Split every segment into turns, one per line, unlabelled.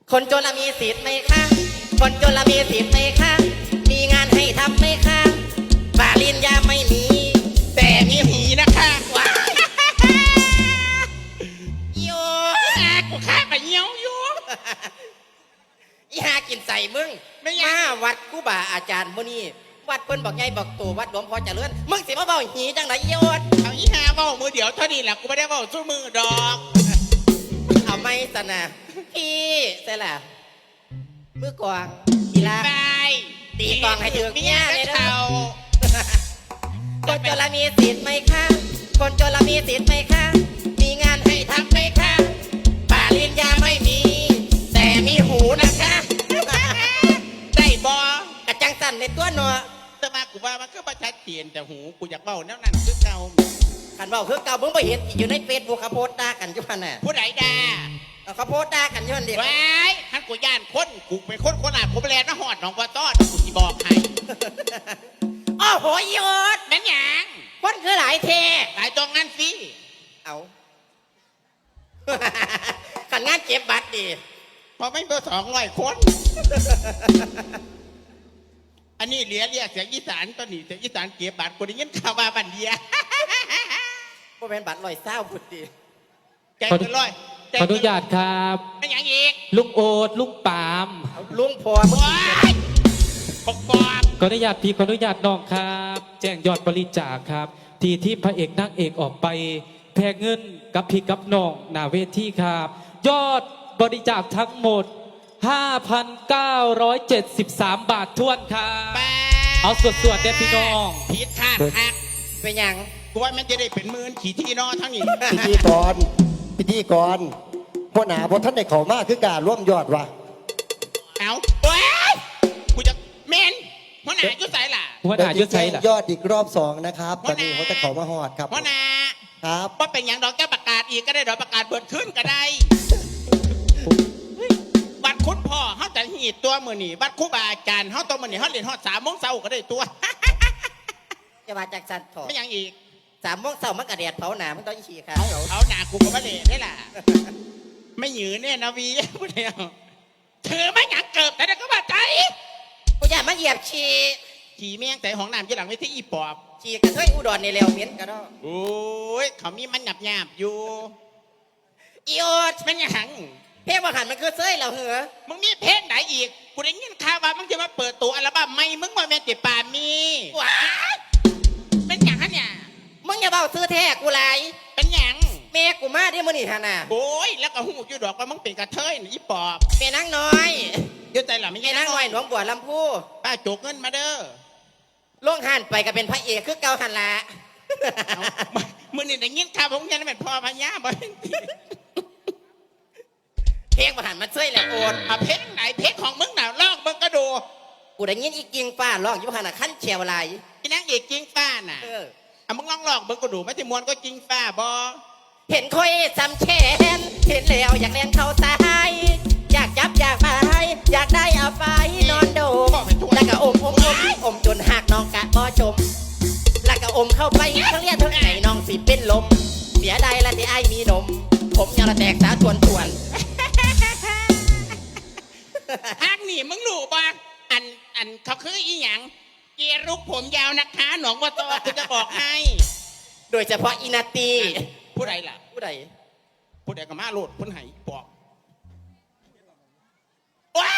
คนจนละมีสิทธิ์ไหมคะคนจนละมีสิทธิ์ไหมคะมีงานให้ทำไหมคะปาลินยาไม่มีแต่มีหีนะคะว้าโย
กูฆ่าไปเงี้ยวอยู่
อีหากินใส่มึงไม่มาวัดกูบ่าอาจารย์มื้อนี้วัดเพิ่นบอกไงบอกตัววัดหลวงพ่อเจริญมึงสิมาเว้าหีจังไดโยด
เอาอีหาเว้ามือเดียวเท่านี้แหละกูไม่ได้เว้าสู้มือดอก
เอาไม่สนะพี่ใช่ล่ะมือกวางกีฬา
ไป
ตีกองให้ถึงเมียเลยเด้อ
เท่า
คนจนละมีสิทธิ์ไหมคะคนจนละมีสิทธิ์ไหมคะมีงานให้ทำไหมคะปาลินยาไม่มี แต่มีหูนะคะ
ได้บอก
ระจังสั่นในตัวหนอ
แต่มากูว่ามันก็ประชัดเจนแต่หูกูอยากเว้าแนวนั้นคือเก่า
ขันเบาคือเก่ามึงไปเห็นอยู่ในเฟซบุ๊กเขาโพสต์ด่ากันอยู่พันน่ะ
ผู้ใดด่า
เขาโพสต์ด่ากันอยู่พันเดียว
ไว้ท่านกูย่านคนกูเป็นคนโคราชกูไปแลนด์มาหอดหนองบัวต้อนกูสิบอกให้
โอ้โหยศ
แม่นหยัง
คนคือหลายเท
หลายตรงนั้นสิ
เอา ขันงานเก็บบัตรดี
พอไม่เบอร์200 คน อันนี้เหลียเรียกเสียงอีสานตอนนี้เสียงอีสานเก็บบัตรกูได้ยินข่าวมาบันเดีย
พวกเป็นบัตรลอยเศร้าพุดดี
แจกเงินร้อย
ขออนุญาตครับ
ไม่อย่างอีก
ลุงโอดลุงปาม
ลุงพอมึง
ว้ายปกปอบ
ขออนุญาตพี่ขออนุญาตน้องครับ แจ้งยอดบริจาคครับ ที่พระเอกนางเอกออกไปแพกเงินกับพี่กับน้องหน้าเวทีครับ ยอดบริจาคทั้งหมด 5,973 บาทท้วนครับ
แป
เอาสวดๆเด็ดพี่น้อง
ผิดคาดหัก
เป็นหยัง
กูว่ามันจะได้เป็นหมื่นขี่ที่นอทั้งนี้
พิธีกรพ่อหนาพ่อท่านได้เขามากคือการร่วมยอดวะ
เอาว้ายกูจะเมนหัวหน้ายุ่ใส่ล่ะ
หัวหน้ายุทธชัยล่ะ
ยอดอีกรอบ2นะครับตอนนี้เขาจะเขามาหอดครับ
หัวหน้า
ครับ
ว่าเป็นอย่างดอกแก้วประกาศอีกก็ได้ดอกประกาศเบิดขึ้นก็ได้บัตรคุณพ่อเขาจะหีดตัวมือหนีบัตรครูบาอาจารย์เขาตัวมือหนีเขาเรียนฮอด3 โมงเช้าก็ได้ตัว
จะมาจากสันถอด
ไม่อย่างอีก
3 โมงเช้ามันกระเดียดเผาหนามันต้องฉี่ค่ะ
เอาหนากูก็มาเละได้ล่ะ ไม่หยือเนี่ยนะวีพูดเดียวถือไม่หยังเกิบแต่เด็กก็บาดใจ
กูอยากมาเหยียบฉี่
ขี่เมียงแต่ของน้ำยี่หลังไม่ที่อีปอบ
ฉี่กระเทยอุดรในเร็วเหม็นกระดอ
โอ้ยเขามีมันหยาบอยู่
อีโอด
มันหยัง
เพลงบางหันมันคือเซ้ยเราเหรอ
มึงมีเพลงไหนอีกกูได้ยินข่าวว่ามึงจะมาเปิดตัวอัลบั้มใหม่มึงว่าแม่ติป่ามี
ว้า
เป็นหยังฮะเนี่ย
มึงอย่าเบาซื้อแท้กูไร
เป็นหยัง
แม่กูมาที่มื้อนี่ฮะน่ะ
โอ้ยแล้วก็หูอยู่ดอกว่ามึงเป็นกระเทยนี่อีปอบ
แม่นางน้อย
เดี๋ยวใจหล่ะไม่
แม่
ใช่
นางน้อยหลวงบัวลำพู
ป้าโจกเงินมาเด้อ
ล่วงหันไปก็เป็นพระเอกคือเก่าหันละ
เอามึงนี่ได้ยินข่าวของยันเป็นพ่อพญาบ่
เพลงบางหันมันเซ้ยแหละโอน
เอาเพลงไหนเพลงของมึงหนาวลอกมึงก็ดู
กูได้ยินอีกิงฟ้าร้องอยู่หันน่ะขั้นเชียวไหล
ที่นั่งเอกจิงฟ้าน่ะ
เออ
เอามึงลองลอกมึงก็ดูไม่ใช่มวนก็จิงฟ้าบอ
เห็นคอยจำแขนเห็นแล้วอยากเล่นเข้าตายอยากจับอยากไปอยากได้เอาไปนอนโดมแล้วก็อมจนหักน้องกะบ่จมแล้วก็อมเข้าไปทั้งเลียดทั้งไหนน้องสิเป็นลมเสียดายละที่ไอ้มีนม ผมยังละแตกสาทวน
ฮักนี่มึงรู้ปะอันเขาคืออีหยังเกรุกผมยาวนะคะหนองบัวตอกูจะบอกให้
โดยเฉพาะอินาตี
ผู้ใดล่ะ
ผู้ใด
ผู้ใดก็มาโลดพ้นไหบอกว้า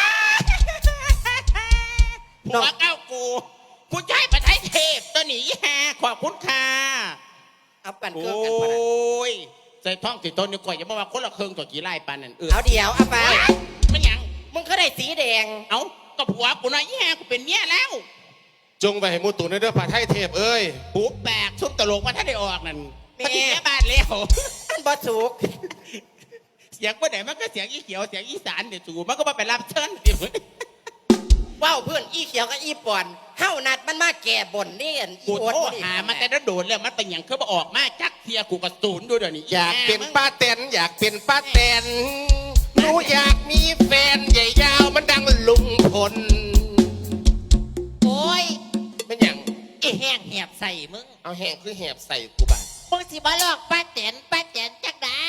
หัวเก้ากูใช้ประเทศเทพตัวหนีแฮขอบคุณค่ะ
เอากัน
โอ
เครื่องกันพอนะ
้ยใส่ท่องติดต้นนี่ก่อยอย่ามาว่าคนละเครื่องตัวกี่ไร่ปันนั่น
เอาเดี๋ยวเอาไป
มันหยัง
มึงก็ได้สีแดง
เอาก็ผัวกูน้อยแย่กูเป็นเมียแล้ว
จงไปให้มูตุนในเด้อพระไทยเทพเอ้ย
หูแปลกซุปตลกมาถ้าได้ออกนั่น
แม่
ปฏิแม่บ้านแล้ว
อันบอสุก
เสียงเมื่อไหร่มันก็เสียงอีเขียวเสียงอีสานเดี๋ยวจูมันก็มาไปรับเชิญเดี๋ยว
ว้าวเพื่อนอีเขียวกับอีปอนเฮ้านัดมันมาแก่บ่นนี่อันอี
กู
โอ๊ต
โทษหามันแต่โดนแล้วมันเป็นอย่างเขามาออกมาจักเทียกูกระสูนด้วยเดี๋ยวนี้
อยากเป็นป้าแตนอยากเป็นป้าแตนหนูอยากมีแฟนใหญ่ยาวมันดังลุงพล
โอ้ย
เป็นอย่าง
ไอ้แห้งแหบใส่มึง
เอาแห้งคือแหบใส่กูบ้าน
มึงสิมาลอกป้าแตนจักได้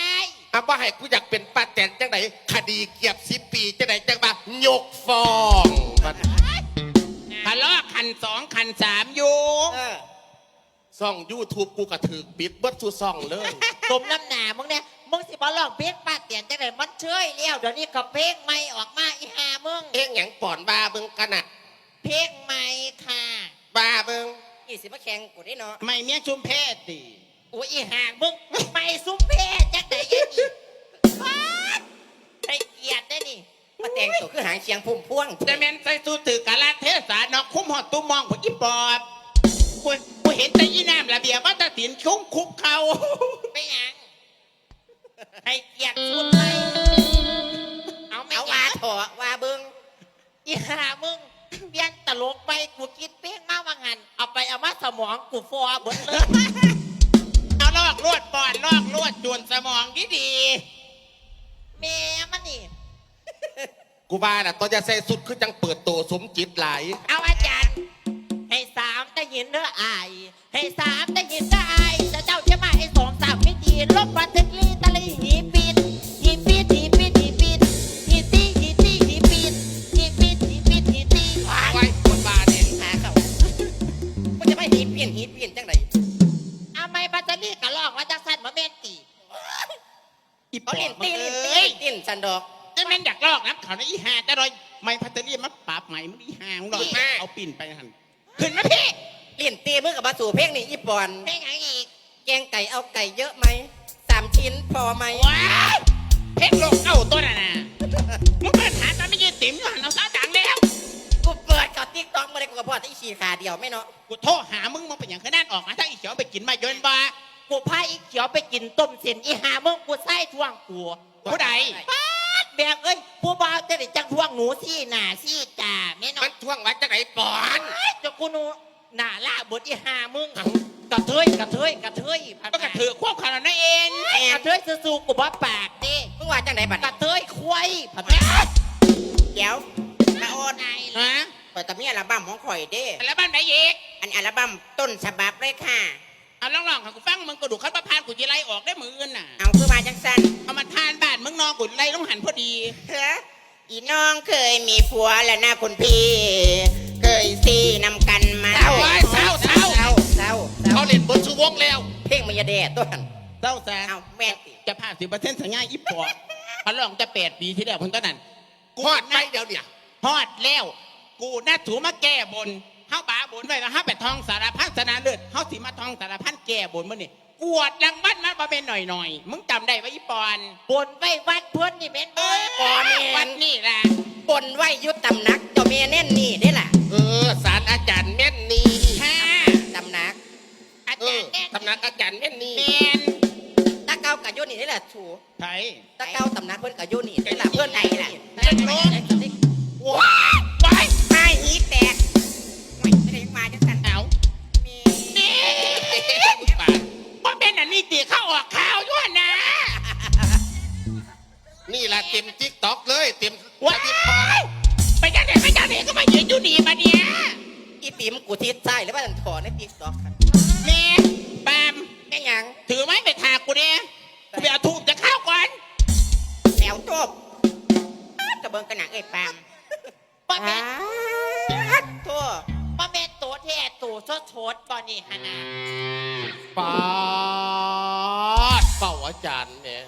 เอาว่าให้กูอยากเป็นป้าแตนจังไหนคดีเกียบ10 ปีจังไหนจังบ่ายกฟ้องมัน
ทะเลาะขัน2ขัน3อยู่
ซ่อง YouTube กูกระถือปิดเบิดสู่ซ่องเลย
สมน้ำหนามึงเนี่ยมึงสิมาลองเพลงป้าเตียนจังไหนมันเชยแล้วเดี๋ยวนี้ก็เพลงใหม่ออกมาอีหามึง
เอ็งหยังป่อนบ้าเบิ่งกันน่ะ
เพลงใหม่ค่ะ
บ้าเบิ่ง
นี่สิมาแข่งกูได้เนาะ
ไม่เมียชุมเพศดิ
โอ้ยอีหามึงไม่ซุ้มเพศจังไหนยันนี่ไอ้เกียดได้นี่มาแต่งตัวคือหางเชียงพุ่มพวง
จะแม่นใส่สูทถือกาลเทศานอกคุ้มหอดตุ้มมองผอีปอบกูเห็นแต่ยีน้ำระเบียบว่าตะตินคุ้มคุบเขา
ไม่หยังไอ้เกียดสุดเลยเอาไม่ว่าเถอะว่าเบิ้งอีหามึงเปลี่ยนตลกไปกูคิดเพลงมาว่างันเอาไปเอามาสมองกูฟอเบิดเลย
เอาลอกลวดปอดลอกลวดจวนสมองดี
แม่มันนี่
กูว่าน่ะตอนจะใส่สุดคือจังเปิดโตสมจิตหลาย
เอาอาจารย์ให้3ได้ยินเด้ออายให้3ได้ยินเด้ออายจะเจ้าจะมาให้2 3ไม่ดีลบบันทึกลีตะลีหีปิดหีปิดหีปิดหีปิดหีตีหีตีหีปิดหีปิดหีปิดหีตี
ไว้คนบ้าเนี่ย
หาเขามันจะไม่หีเปลี่ยนหีเปลี่ยนจังไหนเอาไม่บัตเตอรี่กะลอกว่าจักสันมาเมนตี
ๆอีปอ
เขา
บ
เล่น
มึ
ตี
ง
เล่น
เอ้ย
ตีสันดอก
จะแม่นอยากลอกน้ำเขาในอีหาแต่รอยไม่พัตเตอรี่มันปราบใหม่มึงอีหามึงหน่อยเอาปิ่นไปหันขึ้นมาพี่
เล่นตีมือกับบาสูเพลงนี่อีปอนเพลงไหนอีกแกงไก่เอาไก่เยอะไหม3 ชิ้นพอไหม
ว้ายเพชรโลกเก้าตัวน่ะนะมึงเปิดหาตาไม่ยืนติ๋มอยู่หันเอาซะดังแล้ว
กูเปิดกับติ๊กต็อกมาเลยกูกับพ่อที่ฉีขาเดียวไม่เนาะ
กูโทรหามึงเป็นอย่างขนาดออกมาถ้าอีเขียวไปกินมาเยินบ่
กูพาอีเขียวไปกินต้มเส้นอีหามึงกูไส้ท่วงกู
ผู้ใด
ป๊าดแบกเอ้ยผู้บ่าวจะได้จังท่วงหนูซี่หน้าซี่ตาแม่เนาะ
มันท่วงวัดจังไหนปอน
เจะกูหนูหน้าล่าบดอีหามึงกระเทยกระเทยกระเทยพัน
ก็กระถือควบขนาดนั้นเอง
กระเทยสู้ๆกูบ่ปากดิมึงว่าจังไหนบัดกระเทยควายพันเดี๋ยวมาโอนไง
ฮะ
เปิดแต่มีอัลบั้มของข่อยเด้
แล้วบ้านไหนอีก
อันอัลบั้มต้นฉบับเลยค่ะ
เอาลองๆค่ะกูฟังมึงกระดูกขั้นประพานกูจะไล่ออกได้มืออื่นน่ะ
เอาคือมาจังสัน
เอามาทานบ้านมึงนอนกูไล่ต้องหันพอดี
เฮ้ออีน้องเคยมีผัวแล้วนะคุณพี่ เคยซีนำกันมา
เศร้าเศร้าเศร้า
เศร้าเศร้า
เขาเล่นบนชูวงแล้ว
เพลงมายาแดดตัวหัน
เศร้าแซ่
เอาแม่นติ
จะผ่าน10%สัญญาอีปอดเขาลองจะ8 ปีที่แล้วคนต้นนั้น
ฮอดไปเดี๋ยวเนี่ย
ฮอดแล้ว กูน่าถูมาแก้บนเฮาบาบนไว้ว่าเฮาไปทองสารพันสนาเลิศเฮาสิมาทองสารพันแก้บนมื้อนี่กวดลังบ้านมาบ่เป็นหน่อยๆมึงจำได้ว่าอีปอน
บนไว้วัดเพื่อนนี่เป็นบ่บ่แม่
วัน นนี่ล่ะ
บนไว้ยุดตำหนักเจ้าแม่แน่นนี่ได้ล่ะ
ศาลอาจารย์แม่นนี
ค่ะ
ตำหนัก
อาจารย์แน่
ตำนักอาจารย์แม่นนี
แมน
ตะเก้ากับยุนี่ได้ล่ะชู
ไทย
ตะเก้าตำหนักเพื่อนกับยุนี่ได้ล่ะเพื่อนไหนล่ะ
จะโน้น
ว้า
ไป
ไม่หีแตกไม่ได้มาจังสัน
เอา
มี
นี่ว่าเป็นอันนี้ตีเข้าออกข่าวด้วยนะ
นี่แหละเต็มติ๊กต็อกเลยเต็ม
ว้ายไปจังไหนก็มายืนอยู่นี่มาเนี่ย
อีติ๋มกูทิศใต้หรือว่าถอในติ๊กต็อก
แม่ปาม
แม่หยัง
ถือไม้ไปถากกูเนี่ยกูไปเอาทูบจะเข้าก่อน
แนวจบกระเบิงกระหนังเอ้ยปามป้าแม่ทั่วป้าแม่ตัวแท้ตัวชดชดตอนนี้ฮะนะ
ปาดเป่าอาจารย์เนี่ย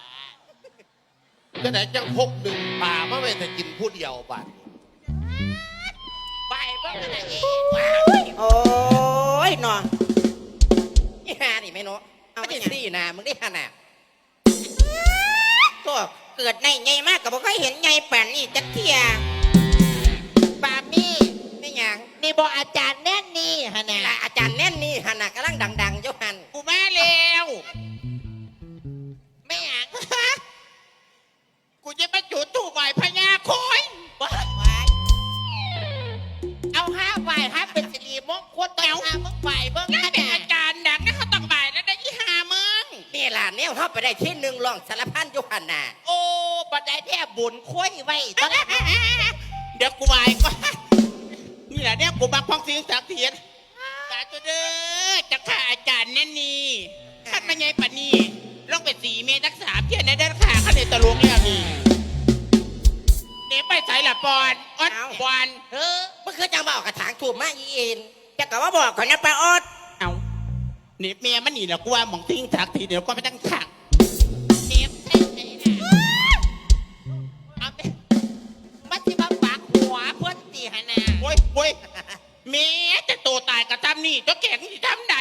จะไหนจังพกหนึ่งป่ามาไม่แต่กินผู้เดียวบัด
ไปบ้างนะเองโอ้ยนอนนี่ฮานี่ไม่เนาะไม่ใช่สี่นามึงได้ฮาน่ะตัวเกิดในไงมากกับบ่เคยเห็นไงป่านนี่จักเทียปามี่ไม่หยังนี่บอกอาจารย์แน่นนี่ฮะนี่ละอาจารย์แน่นนี่ฮะน่ะกำลังดังๆเจ้าหัน
กูมาแล้ว
ไม่หยัง
กูจะมาจุดทูบไหวพญาโคย
เอา5 ฝ่าย5เป็นสิริมงคลต่อ5มึงฝ่ายเบิ่ง
นั่น
ข
เป็น
นา
อา
ด
จารย์ดังนะเขาต้องบ่ายแล้วได้ยี่หามึง
นี่ล่ะแนวเฮาไปได้ที่หนึ่งรองสารพันยุหันน่ะโอ้บัดได้แท้บุญคุยไว้ตอน
เดี๋ยวกูไหวก่อนนี่แหละเนี่ยกูบักพ้องสิ่งศักดิ์สิทธิ์สาธุเด้อจะฆ่าอาจารย์แน่นี่ขันมาไงปะนี่ลงไป4 เมตรทัก3เที่ยในเดินขาเขาเลยตะลุงแล้วนี่เดี๋ยวไปใส่ละปอนอดปอน
เออมันคือจังบอกกระถางถูกมาอีเอ็นจะกะว่าบอกก่อนนะป้าออด
เอาเน็บเมียมันหนีแล้วกูว่าหมองทิ้งถักทีเดี๋ยวก็ไม่ตั้งถัก
เจ็บใช่ไหมนะเอาไปมาที่มาปากหัวเพื่อนตีหนา
โว้ยเมียจะโตตายกับทำนี่ตัวแก่งที่ทำไหน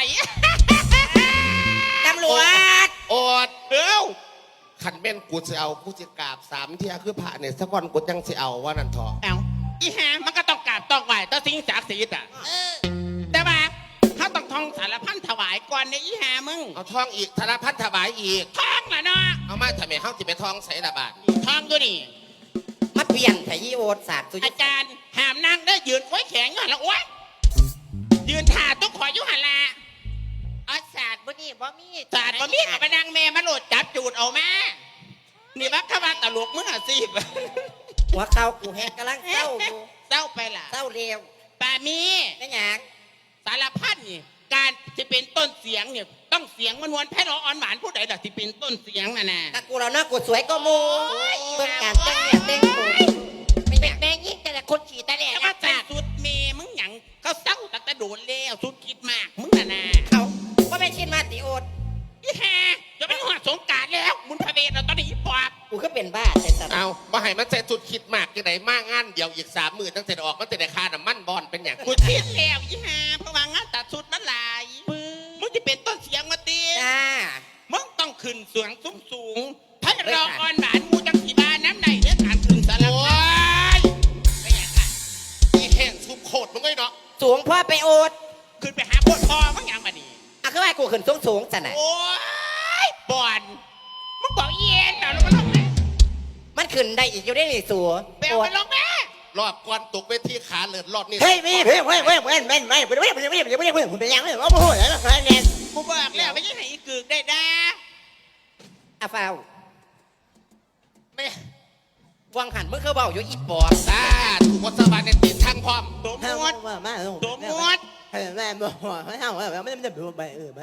ตำรวจ
โอด
เอ้า
ขันแม่นกูจะเอากูจะกราบ3 เที่ยคือพระเนี่ยสักวันกูยังจะเอาว่านั่นเถอะ
เอาอีหามันก็ต้องกราบต้องไหวต้องสิ่งศักดิ์สิทธิ์อ่ะ
เออ
แต่ว่าเขาต้องท่องสารพันถวายก่อนในอีหามึง
เอาท่องอีกธนพัฒน์ถวายอีก
ท่องละเนาะ
เอามาทำไมเขาจะไปท่องใส่ละบาท
ท่องด้วยนี่
มาเปลี่ยนไถยีโอดศาสตร์สุ
อาจารย์หามนั่งได้ยืนไว้แข็งอยู่หันละโอ้ยยืนถ่าต้องขอยุหันละ
เอาศาสตร์บ่นี่บ่มี
ศาสตร์มามีกับมานั่งแม่มาโหลดจับจูดเอามานี่บักขวาตลกมึงอ่ะสิ
หัวเข่ากูแหกกำลังเศร้าอยู่
เศร้าไปล่ะ
เศร้าเร็ว
ป่ามี
นั่นหยัง
สารพัดนี่การจะเป็นต้นเสียงเนี่ยต้องเสียงมันวนแพ่รออ่อนหวานผู้ใดล่ะที่เป็นต้นเสียงน่ะนะ
ตะกูเราหน้ากูสวยก็มูเบิ่งการแต่งเนี่ยแต่งตัวไม่อยาก
แม่ยิ่งแต่ละคนขี่ตาแหล
แต่
ก
ว่า
นะ
ใส่สุดเมมึงหยังเขาเศร้าตั้งแต่โดนแล้วสุดคิดมากมึงน่ะนะ
เขาว่าไม่ชินมาติโอด
อีแฮจะเป็นหัวสงกรารแล้วมุนพระเวทเราตอนนี้อีปอบ
กูก็เป็นบ้าแต่สัตว์
เอาบ่ให้มันใส่สุดคิดมากยังไงมากงานเดี๋ยวอีก30,000ตั้งแต่ออกมันจะได้ค่าน้ำมันบอลเป็นอย่าง
กูคิดแล้วอีแฮเพราะว่างานตัดสุดมันหลายมึงจะเป็นต้นเสียงมาตี
จ้า
มึงต้องขึ้นเสียงสูงให้รออ่อนหวานมูจังสีบาน้ำในเรื่องการขึ้นสาร
โอ้
พัด
ย
ไม่อยากอ่ะ
อีแห้งซุปโคตรมึงไงเนาะ
สูงพ่อไปโอด
ขึ้นไปหาโคตรพอมึงอย่างมาดี
อ่ะคือว่ากูขึ้นสูงสันน่ะ
โอ้ยบอลมึงบอกเย็นเหรอแล้วมันลงไหม
มันขึ้นได้อีกอยู่ได้นี่สัว
เปลวมันลงไหม
รอบก่อนตกเวทีขาเลือดรอดนี่
เฮ้ยพี่เฮ้ยเฮ้ยเฮ้ยเฮ้ยเฮ้ยเฮ้ยเฮ้ยเฮ้ยเฮ้ยเฮ้ยเฮ้ยเฮ้ยเฮ้ยผมเป็นยังไงวะโอ้โหแล้วนะเนี่ย
กูบอกแล้วไม่ใช่ให้อีกึกได้นะ
อ่ะฟ้าว
แม่
วังหันมึงเขาเบาอยู่อีปอบ
ตาถูกวัสบันในตีนทางพร้อม
สมมติ
มา
สมมติ
แม่บอกให้เอาไม่ได้ดูไปไป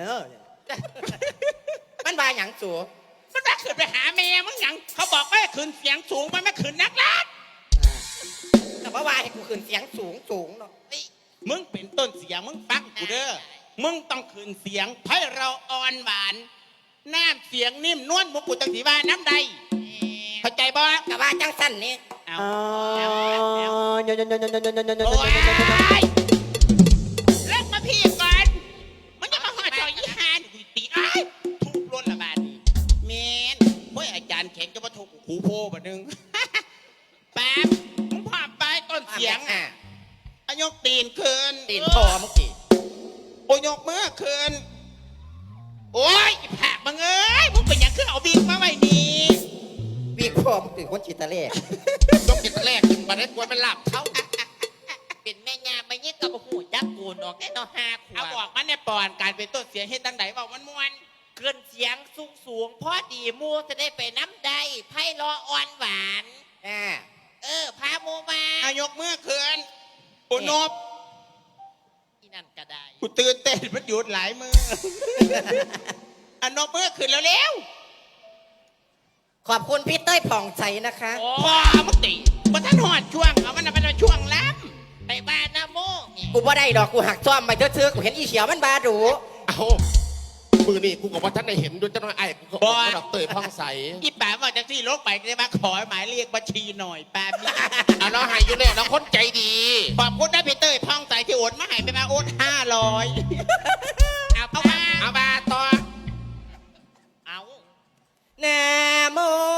มันบาหยังสัว
มันมาขึ้นไปหาแม่มึงหยังเขาบอกว่าขึ้นเสียงสูงมันไม่ขึ้นนักลัก
แต่ว่าว่าให้กูขึ้นเสียงสูงเนาะ
มึงเป็นต้นเสียงมึงฟังกูเด้อมึงต้องขึ้นเสียงให้เราอ่อนหวานน้ำเสียงนิ่มนวลมุกกูตังสีว่าน้ำใดเข้าใจบ่
แต่ว่าจังสั้นนี่
เอา
โอ้
โอ้ยเลิกมาพี่ก่อนมันจะมาหอจอยยี่ห้านี่กูตีอ้ายทุบล้นละบาดนี่เมนเฮ้ยอาจารย์แข็งจะมาทุบหูโพบ่นึง แป๊บมึงพาไปต้นเสียงอ่ะอายกตีนคืน
ตีนพอมึงกี่
โอ้ยกมือคืนโอ้ยอีผักมึงเอ้ยมึงเป็นอย่างคือเอาบิ๊กมาไว้นี่
วีพอมึงตื่นคนจิตตะเล่
ต้องกินแรกกินมาได้กวนมันหลับเท้า
เป็นแม่ยาไม่ยิ่งกับหูจักกูนออกแน่นอนห้าขว
เอาบอกมันในปอนการเป็นต้นเสียงเฮ็ดตั้งไหนบอกมันมวน
เกินเสียงสูงพอดีมูจะได้ไปน้ำได้ไพ่รออ่อนหวาน พาโมมา
อายกมือคืนปุนบ
ที่นั่นก็ได้
กูตื่นเต้นมันหยุดหลายมือ อันนบมือคืนแล้วเร็ว
ขอบคุณพี่เต้ยผ่องใสนะคะ
พอมึงตีมันท่านหอดช่วงเอามันเป็นช่วงล้
ไปบ้านนะโมนี่
กูบ่ได้ดอกกูหักซ่อมไปเทื่อๆกูเห็นอีเฉียวมันบาดู
เอามือนี่กูกับว่าท่านได้เห็นด้วยเจ้าน้อยไอ้กูก็ดอกเตยพ่องใส
ำอีป๋าบอกจากที่ลกไปได้มาขอหมายเรียกบัญชีหน่อยแป๊บนึง
เอาเราหายอยู่เนี่ยเราคนใจดี
ขอบคุณนะพี่เต้ยพ่องใสที่โอนมาให้ไปมาโอน500เอามา
เอามาต่อ
เอา
นะโม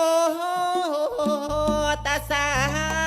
ตัสสะ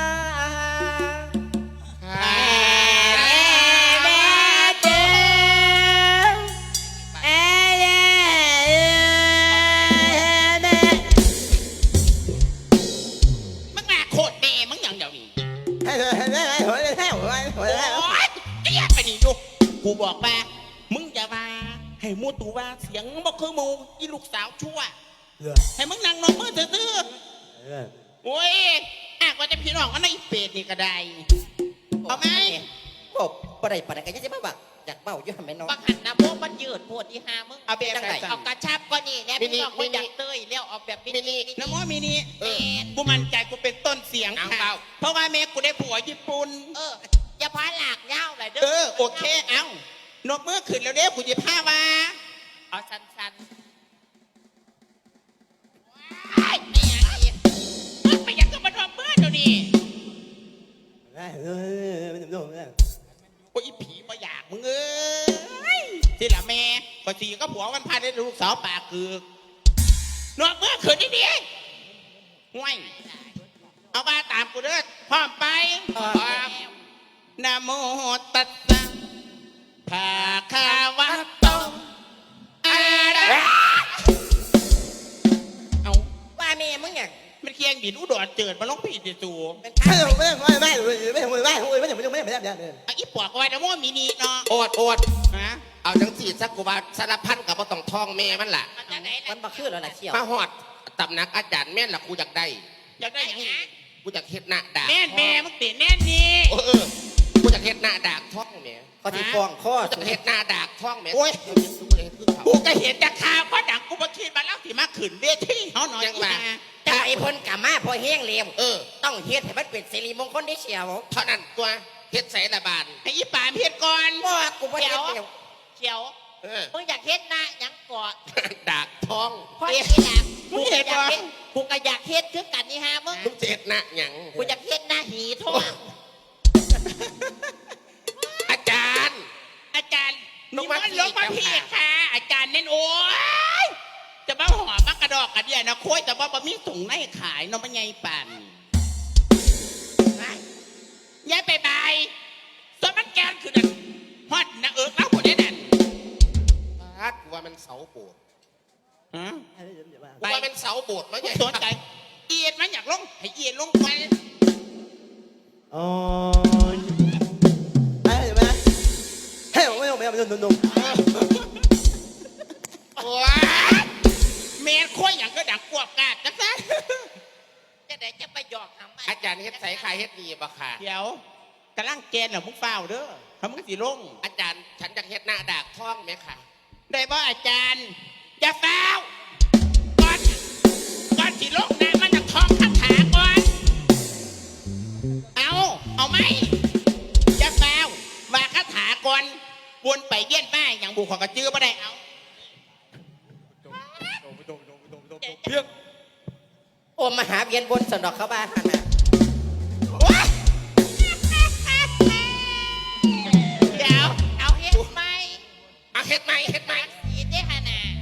มึงมาโคตรแม่มึงอย่างเดียวนี่โอ๊ยจะอยากไปนี่ดูกูบอกว่ามึงอย่ามาให้มูตูว่าเสียงบอกคือมูอีลูกสาวชั่วให้มึงนั่งนอนมือตื้อๆโอ้ยหากว่าจะพี่น้องก็ในเป็ดนี่ก็ได้เอาไหม
โอ้ปะไรปะไรกันยังจะมาบักอยากเมาอยู่ทำไมน้อง
บังหันนะโมมันยืดโพดที่หามึง
เอาแบบไหน
เอากระชับก็นี่แน่พี่น้องคนอยากเตยแล้วเอาแบบมินิ
น้ำมอมินิ
เออ
กูมั่นใจกูเป็นต้นเสียงค่ะเพราะว่าแม่กูได้ผัวญี่ปุ่น
อย่าพาหลากเงาเลยเด้
โอเคเอ้านกมือขึ้นแล้วเด้กูจะพามา
เอาสั้นๆว้ายไม่อยากอีก
มึงไปยังกับมันว่าเมื่อเดี๋ยวนี้โอ้ยอีผีมาอยากมึงเอ้ยที่ละแม่ก็สีก็ผัวกันพาได้ลูกสาวปากคือนกมือขึ้นนี่ดิห่วยเอามาตามกูเด้อพร้อมไปพร้อมนะโมตัสสะภะคะวะโตอะระเอา
ว่าแม่มึงอย่าง
มันเคียงบินอุดรเจิดมาลงผีติจู
เป็น
ไม่
ข้า
ไม่ไม่ไม่ไม่ไม่ไม่ไม่
เอาอีปวกเอาไว้นะโมมินิเนาะ
โอด
ฮะ
เอาจังสีสักกูบาสารพันกับว่าต้องท่องแม่มันล่ะ
มันจะไหน
มั
ล่ะ
นบักคือแล้วล่ะเชี่ยว
มาหอดตำหนักอาจารย์แม่นล่ะกูอยากได้
อยากได้หยังอีก
กูอยากเฮ็ดหน้าด่าง
แม่นแม่มึงติดแน่นนี่
กูอยากเฮ็ดหน้าด่างท่องแม่
ก็ที่ฟ้องข้อ
กูอยากเฮ็ดหน้าด่างท่องแม่
โอ้ย
กูอยากเฮ็ดคือเขา
กูก็เห็นจากข่าวก็ดังกูมาคิดมาแล้วสิมาขึ้นเวทีเขาหน่อย
ยังว่า
ถ้าไอ้พ้นกามาพอแห้งเลียม
เออ
ต้องเฮ็ดให้มันเป็นสิริมงคลได้เชี่ยว
เท่านั้นตัวเฮ็ดใส่ละบาน
ให้อีป่าเพียรก่อน
ว่ากูบ่เฮ็ดเดียว
เขียว
เออ
มึงอยากเฮ็ดหน้าหยังก่อน
ด่างท่อง
พ่อที่หลังกูก็อยากเฮ็ดกูก็อยากเฮ็ดคือกันนี่ฮะมึง
มึงจะเฮ็ดหน้าหยัง
กูอยากเฮ็ดหน้าหีทอง
อาจารย์
อาจารย์
ล
นี่
ง
มั
มาน
ลงมา
พี่
พี่
เจ้าค่ะ
ค่ะ อาจารย์เน้นโอ้ยจะมาหอมมักกระดอกกระเดียนะโค้ยแต่ว่าบะมีถุงในขายเนาะมันไงปั่นย้ายไปบายส่วนมันแกนคือนั่นฮอดนะเล่าผมได้นั่น
อากูว่ามันเสาโบสถ์
ฮะ
กูว่ามันเสาโบสถ์มั้ง
กู
เนี่ย
สนใจเอียดมันอยากลงให้เอียดลงไป
อ๋อไอ้แม่เฮ้ยไม่นุ่ม
โอ้ยเมนโค้ยอย่างก็ดังกวบกาดจังซัน
จะได้จะไปหยอกหำ
อาจารย์เฮ็ดใส่ขายเฮ็ดดีบ่ค่ะ
เดี๋ยวกำลังแกนเหรอมึงเฝ้าเด้อทำมึงสิลง
อาจารย์ฉันอยากเฮ็ดหน้าด่างท่องไหมค่ะ
ได้บ่อาจารย์อย่าเฝ้าก่อนสิลงนะมันจะท่องคาถาก่อนเอาไหมอย่าเฝ้าว่าคาถาก่อนวนไปเยี่ยนป้ายอย่างบุคคลกระจื้อไม่ได้เอา
โอมมหาเวียนบนสนดอกเข้าบ้านหั่นน่ะ
โอ๊ย
เดี๋ยวเอาเฮ็ดไหม
เอาเฮ็ดไหมเฮ็ดไหม
สีได้ขนาด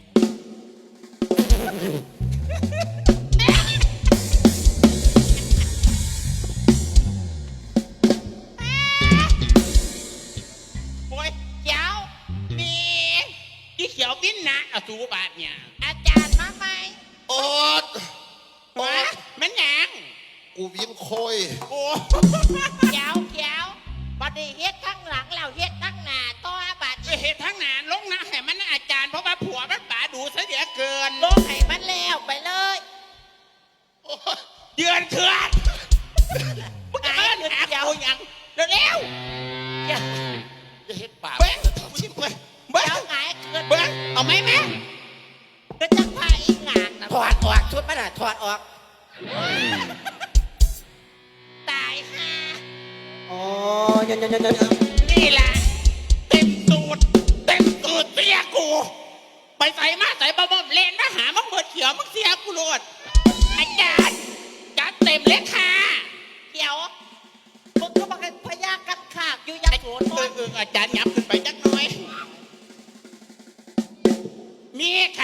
โอ๊ย
เขียว
มีอีเขียวบินนะเอาสูบาทเนี่ย
อาจารย์มาไหม
โอ๊ต
วะมันหยัง
กูวิ่งโคย
โอ้
เขียวบัดนี้เฮ็ดข้างหลังแล้วเฮ็ดข้างหน้าต่อบัด
ไปเหตุทั้งนานลงนะให้มันอาจารย์เพราะว่าผัวมันป่าดูซะเดียวเกิน
ลงให้มันแล้วไปเลย
เดือนเถื่อนมึงจะมาหากูยังเร็ว
อย่าเฮ็ดปาก
ๆเบิ้งกูชิบเบิ้งเบิ้
เดี๋ยว
ง
หงายเกิน
เบิ้งเอาไหมแม่
ก็จะพาอีกงานนะ
ถอดออกชุดมันน่ะถอดออก
ตายห่า
อ๋อยัน
นี่แหละเต็มตูดเสียกู ไปใส่มาใส่บะบ่มเลนมาหามึงเบิดเขียวมึงเสียกูโลดอาจารย์จัดเต็มเลยค่ะ
เขียวมึงก็มาพยากันขากอยู่ยังโสธร
อาจารย์ยับขึ้นไปจักหน่อย มี